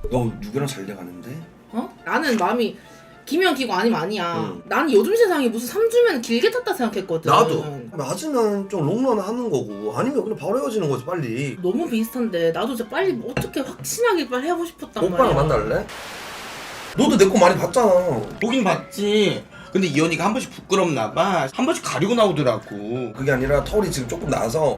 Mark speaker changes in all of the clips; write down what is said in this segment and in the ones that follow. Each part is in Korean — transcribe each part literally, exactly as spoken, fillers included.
Speaker 1: 너 누구랑 잘 돼가는데?
Speaker 2: 어? 나는 마음이 기면 기고 아니면 아니야.
Speaker 1: 응.
Speaker 2: 난 요즘 세상에 무슨 삼 주면 길게 탔다 생각했거든.
Speaker 1: 나도 맞으면 좀 롱런 하는 거고 아니면 그냥 바로 헤어지는 거지 빨리.
Speaker 2: 너무 비슷한데 나도 진짜 빨리 뭐 어떻게 확신하게 빨리 해보고 싶었단
Speaker 1: 오빠랑
Speaker 2: 말이야.
Speaker 1: 만날래? 너도 내 거 많이 봤잖아.
Speaker 3: 보긴 봤지. 근데 이 언니가 한 번씩 부끄럽나 봐. 한 번씩 가리고 나오더라고.
Speaker 1: 그게 아니라 털이 지금 조금 나서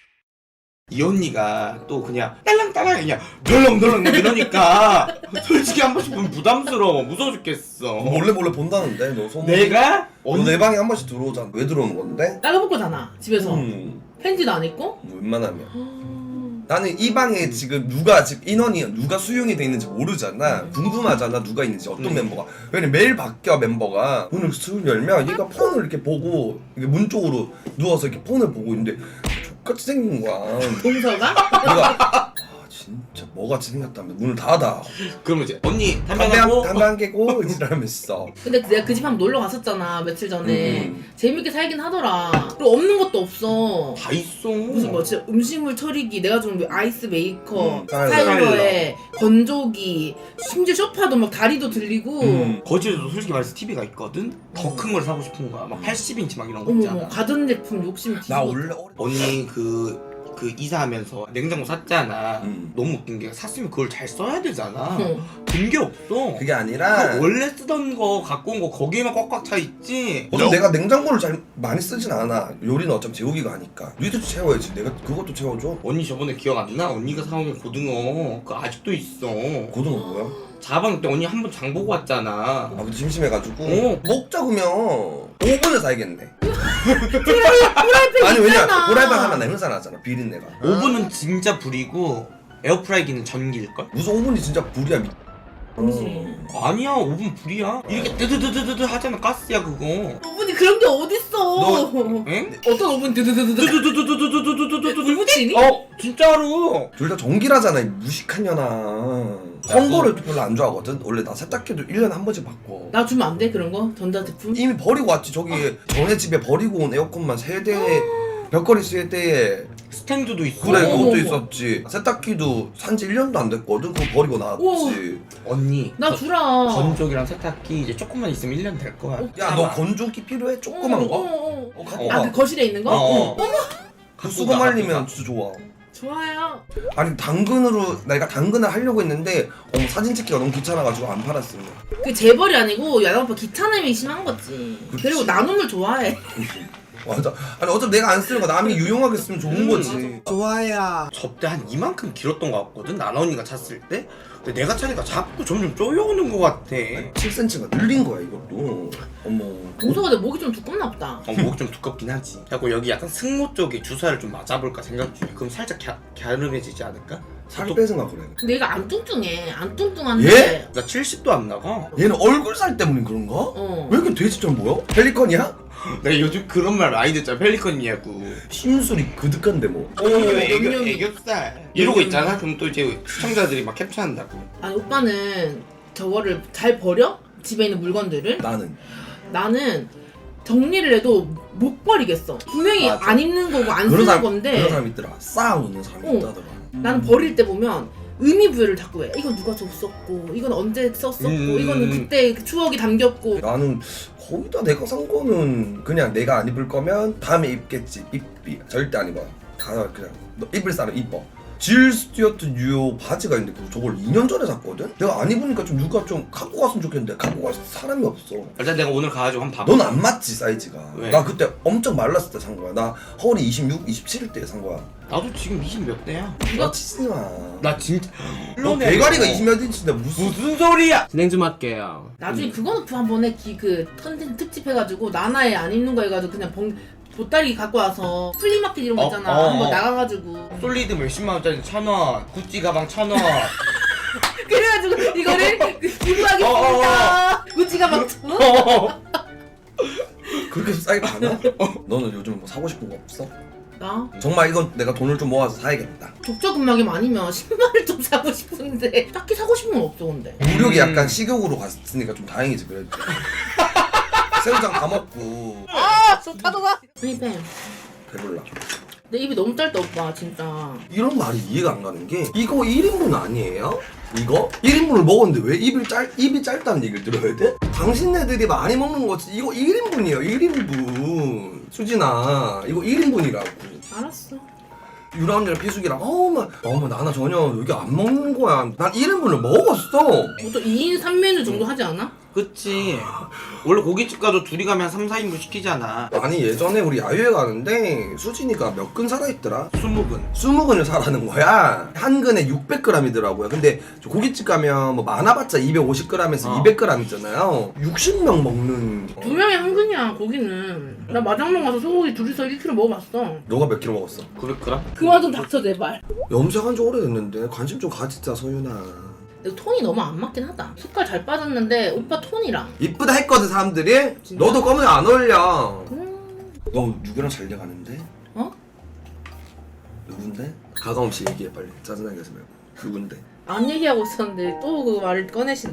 Speaker 3: 이 언니가 또 그냥 딸랑딸랑 그냥 덜렁덜렁 이러니까 솔직히 한 번씩 보면 부담스러워. 무서워 죽겠어.
Speaker 1: 몰래 몰래 본다는데 너 소문.
Speaker 3: 내가?
Speaker 1: 너 내 방에 한 번씩 들어오잖아. 왜 들어오는 건데?
Speaker 2: 나가볼 거잖아 집에서.
Speaker 1: 음,
Speaker 2: 팬티도 안 입고.
Speaker 1: 뭐 웬만하면. 나는 이 방에 지금 누가 지금 인원이 누가 수용이 돼 있는지 모르잖아. 궁금하잖아 누가 있는지 어떤
Speaker 3: 음.
Speaker 1: 멤버가. 왜냐면 매일 바뀌어 멤버가. 문을 슥 열면 얘가 폰을 이렇게 보고 이게 문 쪽으로 누워서 이렇게 폰을 보고 있는데 족같이 생긴 거야.
Speaker 2: 동서가?
Speaker 1: 내가 아 진짜 뭐같이 생겼다며 문을 닫아.
Speaker 3: 그러면 이제 언니 담배
Speaker 1: 담배 한,
Speaker 3: 하고
Speaker 1: 담배 한 개고 이러면서.
Speaker 2: 근데 내가 그 집 한번 놀러 갔었잖아 며칠 전에.
Speaker 1: 음.
Speaker 2: 재밌게 살긴 하더라. 그리고 없는 것도 없어.
Speaker 3: 다 있어.
Speaker 2: 무슨 뭐 진짜 음식물 처리기, 내가 좀 아이스 메이커,
Speaker 1: 음,
Speaker 2: 스타일러에 건조기, 심지어 소파도 막 다리도 들리고.
Speaker 1: 음.
Speaker 3: 거실에도 솔직히 말해서 티비가 있거든? 더 큰 걸 사고 싶은 거야. 막 팔십 인치 막 이런 거
Speaker 2: 어머
Speaker 3: 있잖아.
Speaker 2: 어머 가전제품 욕심 뒤집어.
Speaker 1: 나 원래 어리...
Speaker 3: 언니 그, 그 이사하면서 냉장고 샀잖아.
Speaker 1: 음.
Speaker 3: 너무 웃긴 게 샀으면 그걸 잘 써야 되잖아.
Speaker 2: 어.
Speaker 3: 든 게 없어.
Speaker 1: 그게 아니라
Speaker 3: 그 원래 쓰던 거 갖고 온 거 거기에만 꽉꽉 차 있지.
Speaker 1: 어차피 내가 냉장고를 잘 많이 쓰진 않아. 요리는 어차피 재욱이가 하니까. 니도 채워야지. 내가 그것도 채워줘.
Speaker 3: 언니 저번에 기억 안 나? 언니가 사온 고등어 그거 아직도 있어.
Speaker 1: 고등어 뭐야?
Speaker 3: 자방 때 언니 한 번 장 보고 왔잖아.
Speaker 1: 아 근데 심심해가지고
Speaker 3: 어.
Speaker 1: 먹자 그러면 오 분에 사야겠네.
Speaker 2: 프라이팬
Speaker 1: 아니 왜냐
Speaker 2: 있잖아.
Speaker 1: 후라이팬 하면 냄새 나잖아 비린내가.
Speaker 3: 오븐은 진짜 불이고 에어프라이기는 전기일걸?
Speaker 1: 무슨 오 분이 진짜 불이야 미...
Speaker 2: 그렇지.
Speaker 3: 아니야 오븐 불이야. 이렇게 뜨드드드드드 하잖아. 가스야 그거.
Speaker 2: 오븐이 그런 게 어딨어.
Speaker 3: 응?
Speaker 2: 어떤 오븐 드드드드드
Speaker 3: 뜨드드드드드드드드드드
Speaker 2: 불 붙이니?
Speaker 3: 어 진짜로.
Speaker 1: 둘 다 전기라잖아 이 무식한 년아. 험버를 별로 안 좋아하거든. 원래 나 세탁기도 일 년에 한 번씩 바꿔.
Speaker 2: 나 주면 안 돼 그런 거? 전자제품?
Speaker 1: 이미 버리고 왔지. 저기 전에 집에 버리고 온 에어컨만 세대에 벽걸이 세대에
Speaker 3: 스탠드도 있어.
Speaker 1: 그래
Speaker 2: 어머,
Speaker 1: 그것도
Speaker 2: 어머.
Speaker 1: 있었지. 세탁기도 산지 일 년도 안 됐거든. 그거 버리고 나왔지.
Speaker 3: 언니
Speaker 2: 나
Speaker 3: 거-
Speaker 2: 주라.
Speaker 3: 건조기랑 세탁기 이제 조금만 있으면 일 년 될 거야.
Speaker 1: 야 너 건조기 필요해? 조그만
Speaker 2: 어,
Speaker 1: 거?
Speaker 2: 어, 어.
Speaker 1: 어 갖고
Speaker 3: 어.
Speaker 2: 아
Speaker 1: 와.
Speaker 2: 그 거실에 있는 거?
Speaker 3: 어.
Speaker 2: 어머.
Speaker 1: 그 수거 말리면 진짜 좋아.
Speaker 2: 좋아요.
Speaker 1: 아니 당근으로 내가 당근을 하려고 했는데 어머 사진 찍기가 너무 귀찮아가지고 안 팔았어요.
Speaker 2: 그 재벌이 아니고 야당 오빠 귀찮음이 심한 거지.
Speaker 1: 그치.
Speaker 2: 그리고 나눔을 좋아해.
Speaker 1: 맞아. 아니 어차피 내가 안 쓰는 거 남이 유용하게 쓰면 좋은
Speaker 3: 음,
Speaker 1: 거지.
Speaker 3: 좋아야. 접대 한 이만큼 길었던 것 같거든. 나나 언니가 찼을 때. 근데 내가 차니까 자꾸 점점 쪼여오는 것 같아.
Speaker 1: 칠 센티미터가 늘린 거야 이것도. 어머.
Speaker 2: 동서가 내 목이 좀 두껍나 보다.
Speaker 3: 어, 목이 좀 두껍긴 하지. 자꾸 여기 약간 승모 쪽에 주사를 좀 맞아볼까 생각 중이야. 그럼 살짝 갸, 갸름해지지 않을까?
Speaker 1: 살이
Speaker 3: 또-
Speaker 1: 빼서나 그래.
Speaker 2: 근데 얘가 안 뚱뚱해. 안 뚱뚱한데.
Speaker 1: 예?
Speaker 3: 나 칠십도 안 나가.
Speaker 1: 얘는 얼굴 살 때문에 그런가?
Speaker 2: 어.
Speaker 1: 왜 이렇게 돼지처럼 보여? 펠리컨이야?
Speaker 3: 내가 요즘 그런 말 많이 듣잖아. 펠리컨이냐고.
Speaker 1: 심술이 그득한데 뭐.
Speaker 3: 오, 애교,
Speaker 2: 염염이.
Speaker 3: 애교살. 이러고 있잖아. 그럼 또 이제 시청자들이 막 캡처한다고.
Speaker 2: 아니 오빠는 저거를 잘 버려? 집에 있는 물건들을?
Speaker 1: 나는.
Speaker 2: 나는 정리를 해도 못 버리겠어. 분명히
Speaker 1: 맞아.
Speaker 2: 안 입는 거고 안
Speaker 1: 그런
Speaker 2: 쓰는
Speaker 1: 사람
Speaker 2: 건데
Speaker 1: 그런 사람 있더라. 쌓아오는 사람이
Speaker 2: 어.
Speaker 1: 있다더라.
Speaker 2: 나는 버릴 때 보면 의미 부여를 자꾸 해. 이건 누가 줬었고 이건 언제 썼었고
Speaker 3: 음.
Speaker 2: 이거는 그때 그 추억이 담겼고.
Speaker 1: 나는 거의 다 내가 산 거는 그냥 내가 안 입을 거면 다음에 입겠지. 입비 절대 안 입어. 다 그냥 너 입을 사람 입어. 질 스튜어트 뉴 바지가 있는데 그거 저걸 이 년 전에 샀거든? 내가 안 입으니까 좀 누가 좀 갖고 갔으면 좋겠는데 갖고 갈 사람이 없어.
Speaker 3: 일단 내가 오늘 가가지고 한번 봐봐.
Speaker 1: 넌 안 맞지 사이즈가.
Speaker 3: 왜?
Speaker 1: 나 그때 엄청 말랐을 때 산 거야. 나 허리 이십육, 이십칠일 때 산 거야.
Speaker 3: 나도 지금 이십 몇 대야.
Speaker 1: 나 치지 마.
Speaker 3: 나 진짜.
Speaker 1: 너 대가리가 이십 몇 인치인데 무슨
Speaker 3: 무슨 소리야? 진행 좀 할게요.
Speaker 2: 나중에 그거 놓고 한번 해. 기, 그 컨텐츠 특집 해가지고 나나에 안 입는 거 해가지고 그냥 봉, 보따리 갖고 와서 플리마켓 이런 거
Speaker 3: 어,
Speaker 2: 있잖아.
Speaker 3: 어,
Speaker 2: 한번
Speaker 3: 어.
Speaker 2: 나가가지고
Speaker 3: 솔리드 몇십만 원짜리 천 원, 구찌 가방 천 원.
Speaker 2: 그래가지고 이거를 그 기부하겠습니다.
Speaker 3: 어,
Speaker 2: 구찌 가방 천 원?
Speaker 1: 그렇게 싸게 파나? 너는 요즘 뭐 사고 싶은 거 없어?
Speaker 2: 나
Speaker 1: 정말 이건 내가 돈을 좀 모아서 사야겠다.
Speaker 2: 족저근막이 아니면 신발을 좀 사고 싶은데 딱히 사고 싶은 건 없어 근데.
Speaker 1: 무력이
Speaker 3: 음.
Speaker 1: 약간 식욕으로 갔으니까 좀 다행이지 그래도. 새우장 다 먹고
Speaker 2: 아, 저 타도가. 프리뱀.
Speaker 1: 배불러.
Speaker 2: 내 입이 너무 짧다 오빠 진짜.
Speaker 1: 이런 말이 이해가 안 가는 게 이거 일 인분 아니에요? 이거? 일 인분을 먹었는데 왜 입이, 짧, 입이 짧다는 얘기를 들어야 돼? 당신네들이 많이 먹는 거지 이거 일 인분이에요 일 인분. 수진아 이거 일 인분이라고.
Speaker 2: 알았어.
Speaker 1: 유라 언니랑 피숙이랑 어머 어머 나나 전혀 여기 안 먹는 거야. 난 일 인분을 먹었어.
Speaker 2: 보통 이 인 삼 메뉴 정도 하지 않아?
Speaker 3: 그치. 원래 고깃집 가도 둘이 가면 삼, 사 인분 시키잖아.
Speaker 1: 아니 예전에 우리 야유회 가는데 수진이가 몇 근 살아있더라?
Speaker 3: 스무 근.
Speaker 1: 스무 근을 사라는 거야. 한 근에 육백 그램이더라고요. 근데 저 고깃집 가면 뭐 많아봤자 이백오십 그램에서
Speaker 3: 어.
Speaker 1: 이백 그램 있잖아요. 육십 명 먹는.
Speaker 2: 두 명이 한 근이야 고기는. 나 마장동 가서 소고기 둘이서 일 킬로그램 먹어봤어.
Speaker 1: 너가 몇 킬로 먹었어?
Speaker 3: 구백 그램?
Speaker 2: 그만 좀 닥쳐 제발.
Speaker 1: 염색한 지 오래됐는데 관심 좀 가지자 서윤아.
Speaker 2: 내 톤이 너무 안 맞긴 하다. 색깔 잘 빠졌는데 오빠 톤이랑.
Speaker 1: 이쁘다 했거든 사람들이.
Speaker 2: 진짜?
Speaker 1: 너도 검은색 안 어울려.
Speaker 2: 음...
Speaker 1: 너 누구랑 잘 돼가는데?
Speaker 2: 어?
Speaker 1: 누군데? 가감없이 얘기해 빨리. 짜증나게 하지 말고. 누군데?
Speaker 2: 안 얘기하고 있었는데 또 그 말을 꺼내신.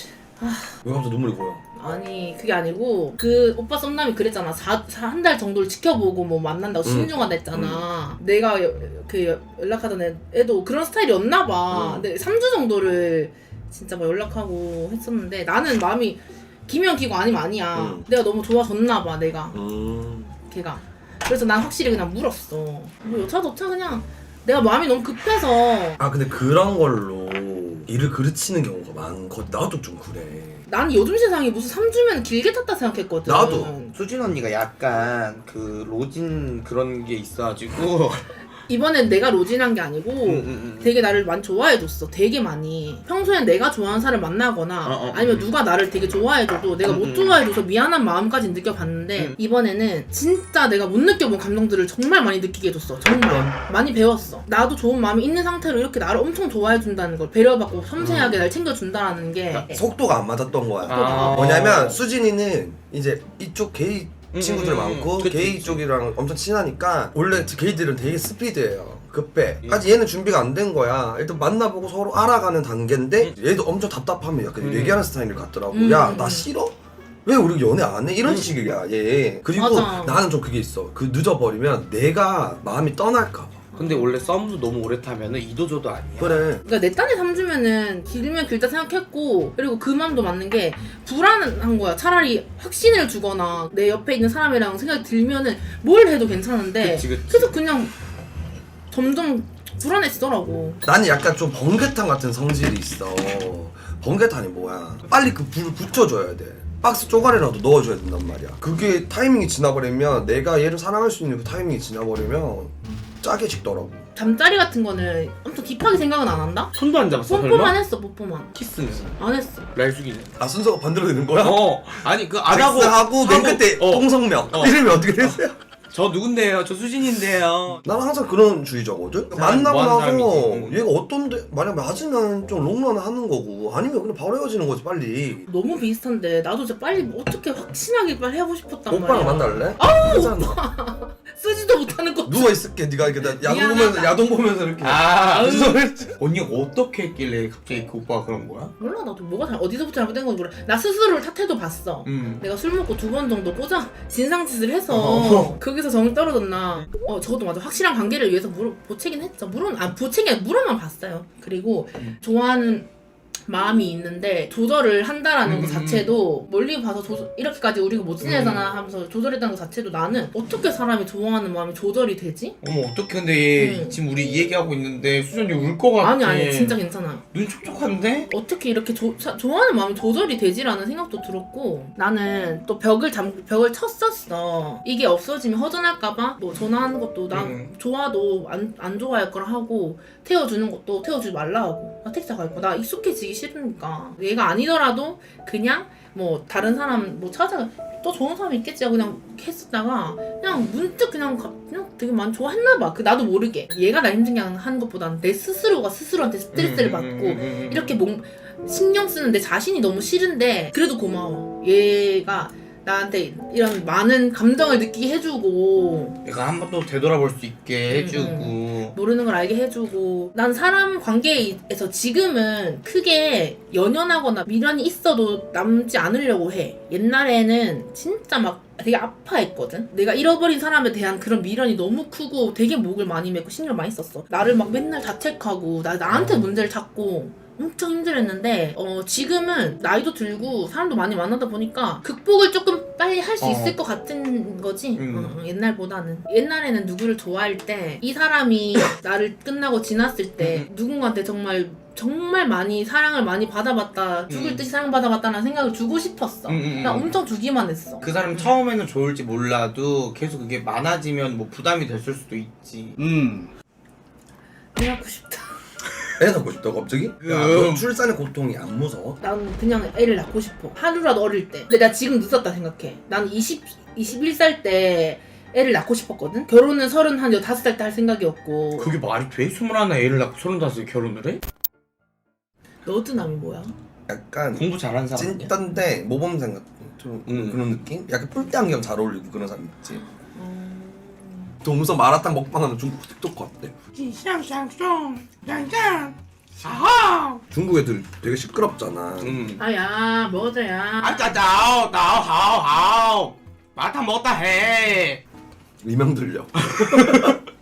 Speaker 1: 왜 갑자기 눈물이 고여?
Speaker 2: 아니 그게 아니고 그 오빠 썸남이 그랬잖아. 한 달 정도를 지켜보고 뭐 만난다고
Speaker 1: 음.
Speaker 2: 신중하다 했잖아. 내가 여, 그 여- 연락하던 애, 애도 그런 스타일이었나 봐.
Speaker 1: 음.
Speaker 2: 근데 삼 주 정도를 진짜 뭐 연락하고 했었는데 나는 마음이 기면 기고 아니면 아니야.
Speaker 1: 음.
Speaker 2: 내가 너무 좋아졌나 봐 내가
Speaker 1: 음...
Speaker 2: 걔가. 그래서 난 확실히 그냥 물었어. 뭐 여차저차 그냥 내가 마음이 너무 급해서.
Speaker 1: 아 근데 그런 걸로 일을 그르치는 경우가 많거든. 나도 좀 그래.
Speaker 2: 난 요즘 세상에 무슨 삼 주면 길게 탔다 생각했거든.
Speaker 1: 나도.
Speaker 3: 수진 언니가 약간 그 로진 그런 게 있어가지고.
Speaker 2: 이번엔 내가 로진한 게 아니고
Speaker 3: 음, 음, 음.
Speaker 2: 되게 나를 많이 좋아해줬어. 되게 많이. 평소엔 내가 좋아하는 사람을 만나거나
Speaker 3: 어, 어,
Speaker 2: 아니면
Speaker 3: 음.
Speaker 2: 누가 나를 되게 좋아해줘도 내가
Speaker 3: 음,
Speaker 2: 못
Speaker 3: 음.
Speaker 2: 좋아해줘서 미안한 마음까지 느껴봤는데
Speaker 3: 음.
Speaker 2: 이번에는 진짜 내가 못 느껴본 감정들을 정말 많이 느끼게 해줬어. 정말 많이 배웠어. 나도 좋은 마음이 있는 상태로 이렇게 나를 엄청 좋아해준다는 걸, 배려받고 섬세하게 날 챙겨준다는 게
Speaker 1: 속도가 안 맞았던 거야.
Speaker 3: 아.
Speaker 1: 뭐냐면 수진이는 이제 이쪽 게이 친구들
Speaker 3: 음,
Speaker 1: 많고
Speaker 3: 그치,
Speaker 1: 게이
Speaker 3: 그치.
Speaker 1: 쪽이랑 엄청 친하니까 원래 게이들은 되게 스피드예요. 급해.
Speaker 3: 음.
Speaker 1: 아직 얘는 준비가 안 된 거야. 일단 만나보고 서로 알아가는 단계인데 얘도 엄청 답답하면 약간
Speaker 3: 음.
Speaker 1: 얘기하는 스타일을 갖더라고.
Speaker 2: 음.
Speaker 1: 야 나 싫어? 왜 우리 연애 안 해? 이런
Speaker 3: 음.
Speaker 1: 식이야 얘. 그리고
Speaker 2: 맞아.
Speaker 1: 나는 좀 그게 있어. 그 늦어버리면 내가 마음이 떠날까 봐.
Speaker 3: 근데 원래 썸도 너무 오래 타면은 이도저도 아니야.
Speaker 1: 그래.
Speaker 2: 그러니까 내 딴에 삼 주면은 길면 길다 생각했고, 그리고 그 마음도 맞는 게 불안한 거야. 차라리 확신을 주거나 내 옆에 있는 사람이랑 생각이 들면은 뭘 해도 괜찮은데
Speaker 3: 그치, 그치.
Speaker 2: 계속 그냥 점점 불안해지더라고.
Speaker 1: 나는 약간 좀 번개탄 같은 성질이 있어. 번개탄이 뭐야? 빨리 그 불을 붙여줘야 돼. 박스 쪼가리라도 넣어줘야 된단 말이야. 그게 타이밍이 지나버리면, 내가 얘를 사랑할 수 있는 그 타이밍이 지나버리면 짜게 식더라고.
Speaker 2: 잠자리 같은 거는 엄청 딥하게 생각은 안 한다?
Speaker 3: 손도 안 잡았어
Speaker 2: 뽀뽀만
Speaker 3: 설마?
Speaker 2: 했어. 뽀뽀만
Speaker 3: 키스는?
Speaker 2: 안 했어.
Speaker 3: 날숙이는?
Speaker 1: 아 순서가 반대로 되는 거야?
Speaker 3: 어 아니 그 안 하고
Speaker 1: 하고 맨 끝에
Speaker 3: 어.
Speaker 1: 홍성명
Speaker 3: 어.
Speaker 1: 이름이 어떻게 되세요?
Speaker 3: 저 누군데요? 저 수진인데요.
Speaker 1: 나는 항상 그런 주의자거든.
Speaker 3: 사람이
Speaker 1: 만나고
Speaker 3: 뭐 하는
Speaker 1: 나서
Speaker 3: 사람이지. 응.
Speaker 1: 얘가 어떤데 만약 맞으면 좀 롱런 하는 거고 아니면 그냥 바로 헤어지는 거지 빨리.
Speaker 2: 너무 비슷한데 나도 진짜 빨리 어떻게 확신하게 빨리 해보고 싶었단
Speaker 1: 오빠랑
Speaker 2: 말이야.
Speaker 1: 만날래? 아 하잖아.
Speaker 2: 쓰지도 못하는 거.
Speaker 1: 누워 있을게. 네가 이렇게 나 야동
Speaker 2: 미안하다.
Speaker 1: 보면서 야동 보면서 이렇게.
Speaker 3: 아
Speaker 1: 무슨
Speaker 3: 언니가 어떻게 했길래 갑자기 그 오빠가 그런 거야?
Speaker 2: 몰라 나도 뭐가 잘 어디서부터 잘못된 건지 몰라. 나 스스로를 탓해도 봤어.
Speaker 3: 음.
Speaker 2: 내가 술 먹고 두 번 정도 꼬자 진상짓을 해서
Speaker 1: 어.
Speaker 2: 거기서 정이 떨어졌나. 어 저것도 맞아. 확실한 관계를 위해서 물어 보채긴 했죠. 물은 아 보채기 아니라 물어만 봤어요. 그리고
Speaker 3: 음.
Speaker 2: 좋아하는 마음이 있는데 조절을 한다라는
Speaker 3: 음,
Speaker 2: 것 자체도 멀리 봐서 조절, 이렇게까지 우리가 못 지내잖아 하면서 조절했다는 것 자체도 나는 어떻게 사람이 좋아하는 마음이 조절이 되지?
Speaker 3: 어머 어떡해 근데 얘
Speaker 2: 음.
Speaker 3: 지금 우리 이 얘기하고 있는데 수전이 울 것 같아.
Speaker 2: 아니 아니 진짜 괜찮아.
Speaker 3: 눈 촉촉한데?
Speaker 2: 어떻게 이렇게 조, 사, 좋아하는 마음이 조절이 되지라는 생각도 들었고 나는 또 벽을 잠 벽을 쳤었어. 이게 없어지면 허전할까봐 뭐 전화하는 것도 나
Speaker 3: 음.
Speaker 2: 좋아도 안, 안 좋아할 거라 하고 태워주는 것도 태워주지 말라 하고 나 택시 갈 거 나 익숙해지기 싫으니까 얘가 아니더라도 그냥 뭐 다른 사람 뭐 찾아 또 좋은 사람 있겠지 하고 그냥 했었다가 그냥 문득 그냥 가- 그냥 되게 많이 좋아했나 봐. 그 나도 모르게 얘가 나 힘들게 하는 것보다는 내 스스로가 스스로한테 스트레스를
Speaker 3: 음,
Speaker 2: 받고
Speaker 3: 음, 음, 음, 음.
Speaker 2: 이렇게 몸 신경 쓰는 내 자신이 너무 싫은데 그래도 고마워. 얘가 나한테 이런 많은 감정을 느끼게 해주고
Speaker 3: 내가 한 번 또 되돌아볼 수 있게 해주고
Speaker 2: 음, 모르는 걸 알게 해주고 난 사람 관계에서 지금은 크게 연연하거나 미련이 있어도 남지 않으려고 해. 옛날에는 진짜 막 되게 아파했거든. 내가 잃어버린 사람에 대한 그런 미련이 너무 크고 되게 목을 많이 맺고 신경 많이 썼어. 나를 막 맨날 자책하고 나, 나한테
Speaker 3: 어.
Speaker 2: 문제를 찾고 엄청 힘들었는데 어 지금은 나이도 들고 사람도 많이 만나다 보니까 극복을 조금 빨리 할 수
Speaker 3: 어.
Speaker 2: 있을 것 같은 거지.
Speaker 3: 음.
Speaker 2: 어, 옛날보다는. 옛날에는 누구를 좋아할 때 이 사람이 나를 끝나고 지났을 때
Speaker 3: 음.
Speaker 2: 누군가한테 정말 정말 많이 사랑을 많이 받아봤다, 죽을
Speaker 3: 음.
Speaker 2: 듯이 사랑받아봤다는 생각을 주고 싶었어.
Speaker 3: 음, 음, 음.
Speaker 2: 나 엄청 주기만 했어.
Speaker 3: 그 사람 처음에는 좋을지 몰라도 계속 그게 많아지면 뭐 부담이 됐을 수도 있지. 음.
Speaker 2: 애 갖고 싶다.
Speaker 1: 애 낳고 싶다고 갑자기? 야, 너 출산의 고통이 안 무서워?
Speaker 2: 난 그냥 애를 낳고 싶어. 하루라도 어릴 때. 근데 나 지금 늦었다 생각해. 난 이십, 이십일 살 때 애를 낳고 싶었거든? 결혼은 서른 한 여섯 살 때 할 생각이었고.
Speaker 3: 그게 말이 돼? 스물하나 애를 낳고 서른다섯에 결혼을 해?
Speaker 2: 너드남이 뭐야?
Speaker 1: 약간
Speaker 3: 공부 잘하는 사람이야?
Speaker 1: 찐딴데 모범생 같은 좀
Speaker 3: 음.
Speaker 1: 그런 느낌? 약간 뿔대 안경 잘 어울리고 그런 사람 있지.
Speaker 2: 음...
Speaker 1: 동서 마라탕 먹방하는 중국 틱톡 같대. 중국 애들 되게 시끄럽잖아.
Speaker 3: 음.
Speaker 2: 아야, 먹어줘야.
Speaker 3: 아짜짜오 나오하오하오 마라탕 먹었다 해.
Speaker 1: 이명 들려.